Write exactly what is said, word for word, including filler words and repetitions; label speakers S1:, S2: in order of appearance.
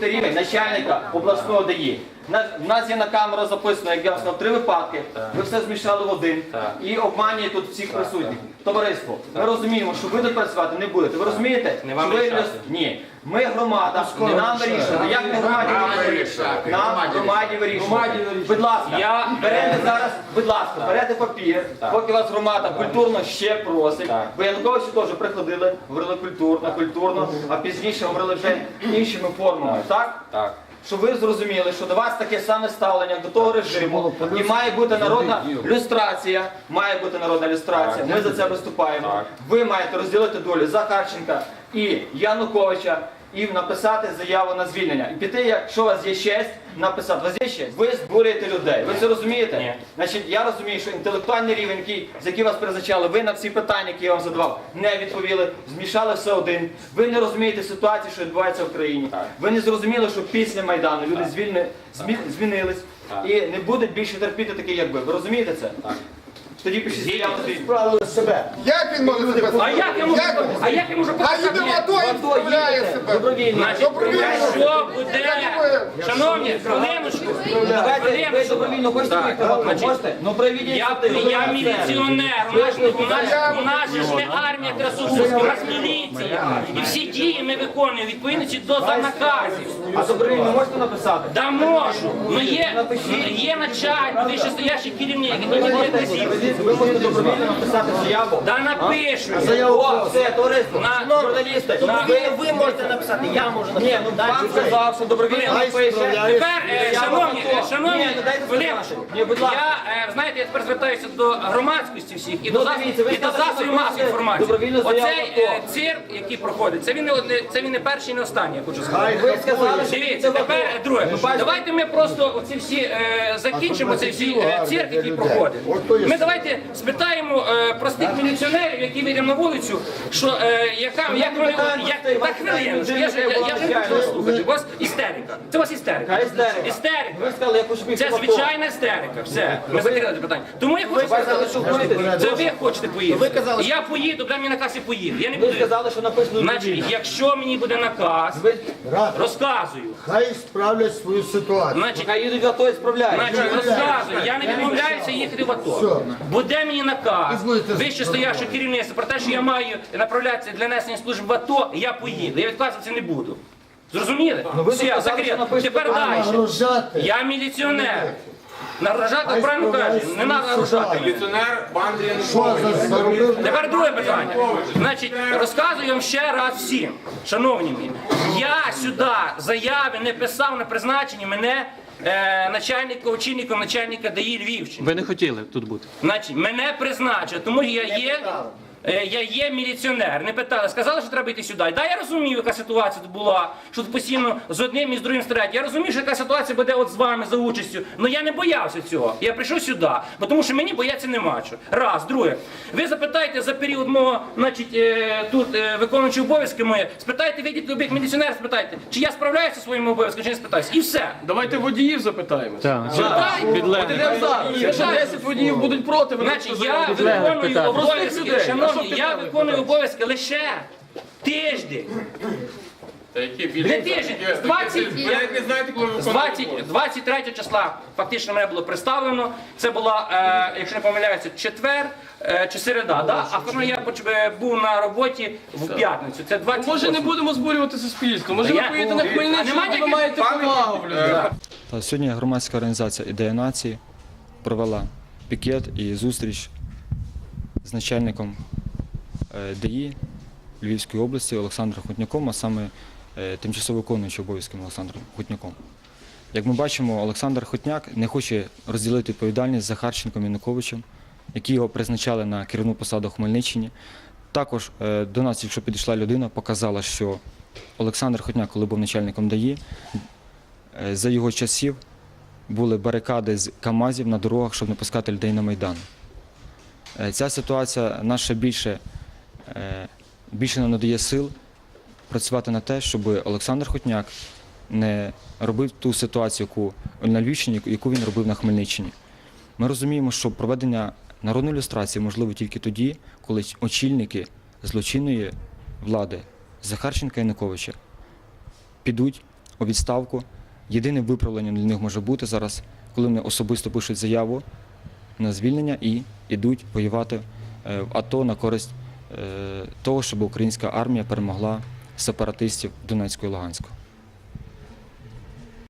S1: виходите рівень начальника обласного ДАІ. У нас є на камеру записано, як я вам сказав, три випадки. Ви все змішали в один і обманює тут всіх присутніх. Товариство, ми розуміємо, що ви тут працювати не будете. Ви розумієте?
S2: Не вам
S1: що ви...
S2: рішати.
S1: Ні. Ми громада, не нам вирішувати. Як не громаді вирішувати? Нам громаді вирішувати. Будь ласка, берете зараз, будь ласка, берете папір, поки вас громада культурно ще просить. Бо Януковичі теж приходили, говорили культурно, культурно, а пізніше говорили вже іншими формами, так?
S2: Так.
S1: Щоб ви зрозуміли, що до вас таке саме ставлення до того режиму, і має бути народна люстрація, має бути народна люстрація, ми за це виступаємо. Ви маєте розділити долю Захарченка і Януковича і написати заяву на звільнення. І піти, якщо у вас є честь, написати. У вас є честь? Ви збурюєте людей. Ви це розумієте?
S2: Ні.
S1: Значить, я розумію, що інтелектуальний рівень, який, з яким вас призначали, ви на всі питання, які я вам задавав, не відповіли, змішали все один. Ви не розумієте ситуацію, що відбувається в країні.
S2: Так.
S1: Ви не зрозуміли, що після Майдану люди звільни, змі, змінились
S2: Так.
S1: і не будуть більше терпіти такі, як ви. Ви розумієте це?
S2: Так.
S1: Тоді пишіть заяву на звільнення.
S3: Справили себе. Як він може себе
S4: А як я можу, а як я можу
S3: А їде в АТО і вставляє себе.
S1: Добровільно.
S3: Добровільно.
S4: Що буде? Шановні, хвилиночку,
S1: Давайте, ви
S4: хвилиночку.
S1: добровільно хочете виїхати? Можете? Ну проведіть.
S4: Я, я міліціонер, у нас, у нас, у нас же ж не армія Красовська, у нас міліція. І всі дії ми виконуємо відповідно до наказів.
S1: А добровільно можете написати?
S4: Да можу. Ну є, є начальник, вищестоящий керівник, який не буде присів.
S1: Ви можете добровільно написати заяву.
S4: Да напишу.
S1: О, все, товариство,
S4: На-
S1: журналісти.
S5: Добровільно ви можете написати, я можу
S1: Ні,
S5: написати.
S1: ну вам сказав, що добровільно напише.
S4: Тепер, е, шановні, е, шановні,
S1: Ні, ну дайте
S4: хвилиночку.
S1: сказати. Ні, будь ласка.
S4: Я, е, знаєте, я тепер звертаюся до громадськості всіх і до
S1: Ну,
S4: засобів
S1: дивіться, ви
S4: і до
S1: сказали,
S4: засобів
S1: що
S4: масової
S1: ви
S4: інформації.
S1: добровільно заяву
S4: Оцей
S1: на
S4: е,
S1: то.
S4: цирк, який проходить, це він не одне- це він не перший, і не останній, я хочу сказати.
S1: Ви сказали, що
S4: Дивіться,
S1: це
S4: тепер е, друге.
S1: бачите?
S4: Давайте ми просто оці всі е, закінчимо цей всі е, цирк, який проходить. Ми давайте спитаємо е, простих міліціонерів, які вийдемо на вулицю, що е, яка як вони як так хвилиночку. Я ж я, я вже не хочу слухати. У вас істерика. Це у вас істерика.
S1: Яка істерика?
S4: Істерика.
S1: Ви сказали, я хочу бігти
S4: Це
S1: в АТО.
S4: звичайна істерика. Все. Ми закрили це питання. Тому я хочу
S1: Ви сказали,
S4: сказати,
S1: що боїтесь.
S4: це ви хочете поїхати.
S1: Ви казали,
S4: Я поїду, дай мені наказ і поїду. Я не
S1: Ви
S4: буду.
S1: сказали, що написано
S4: Значить,
S1: добровільно.
S4: якщо мені буде наказ,
S1: Ви
S4: розказую.
S3: Хай справлять свою ситуацію.
S4: Значить,
S1: хай їдуть в АТО і справляють.
S4: Значить, розказую, я не відмовляюся їхати в АТО. Буде мені наказ, вище стояще керівництво про те, що я маю направлятися для несення служб в АТО, я поїду. Я відказуватися не буду. Зрозуміли?
S1: ви
S4: Все,
S1: сказали, що
S4: закрито.
S1: напишете
S4: Тепер далі.
S3: Нагружати.
S4: Я міліціонер. Нагружати, правильно кажуть, не треба нагружати.
S2: Міліціонер Бандрі
S3: Що за заробив?
S4: Тепер друге питання. Значить, розказую вам ще раз всім, шановні мої. Я сюди заяви не писав на призначенні мене е, начальником, очільником начальника ДАІ Львівщини.
S6: Ви не хотіли тут бути.
S4: Значить, мене призначили, тому я є, е, я є міліціонер. Не питали, сказали, що треба йти сюди. Да, я розумію, яка ситуація тут була, що тут постійно з одним і з другим стрелять. Я розумію, що яка ситуація буде от з вами за участю. Але я не боявся цього. Я прийшов сюди, бо тому що мені бояться нема чого. Раз, друге. Ви запитаєте за період мого, значить, е, тут е, виконуючи обов'язки мої, спитайте, вийдіть любих міліціонерів, спитайте, чи я справляюся зі своїми обов'язками, чи не спитаюся. І все.
S6: Давайте водіїв запитаємо.
S4: Так.
S6: Підемо зараз. Якщо десять водіїв будуть проти, ви
S4: Значить, я виконую обов'язки, шановні, я виконую обов'язки лише тиждень.
S2: Та які
S4: Не тиждень, з двадцять
S2: Ви навіть не знаєте, коли ви
S4: з двадцять, двадцять третього числа фактично мене було представлено. Це була, е, якщо не помиляюся, четвер е, чи середа. Да? А фактично я поч- е, був на роботі в п'ятницю. Це двадцять.
S6: Може не будемо збурювати суспільство, може ви
S4: Я-
S6: поїдете на
S4: А
S6: Хмельниччину,
S4: нема
S6: де ви
S4: ніяких-
S6: маєте повагу в людей.
S7: Та Сьогодні громадська організація «Ідея нації» провела пікет і зустріч з начальником е, ДАІ Львівської області Олександром Хутняком, а саме е, тимчасово виконуючим обов'язками Олександром Хутняком. Як ми бачимо, Олександр Хутняк не хоче розділити відповідальність з Захарченком Януковичем, які його призначали на керівну посаду в Хмельниччині. Також е, до нас, якщо підійшла людина, показала, що Олександр Хутняк, коли був начальником ДАІ, е, за його часів були барикади з КАМАЗів на дорогах, щоб не пускати людей на Майдан. Е, Ця ситуація нас ще більше, е, більше нам надає сил працювати на те, щоб Олександр Хутняк не робив ту ситуацію, яку на Львівщині, яку він робив на Хмельниччині. Ми розуміємо, що проведення народної люстрації можливо тільки тоді, коли очільники злочинної влади Захарченка і Януковича підуть у відставку. Єдиним виправленням для них може бути зараз, коли вони особисто пишуть заяву на звільнення і йдуть воювати е, в АТО на користь е, того, щоб українська армія перемогла сепаратистів Донецьку і Луганську.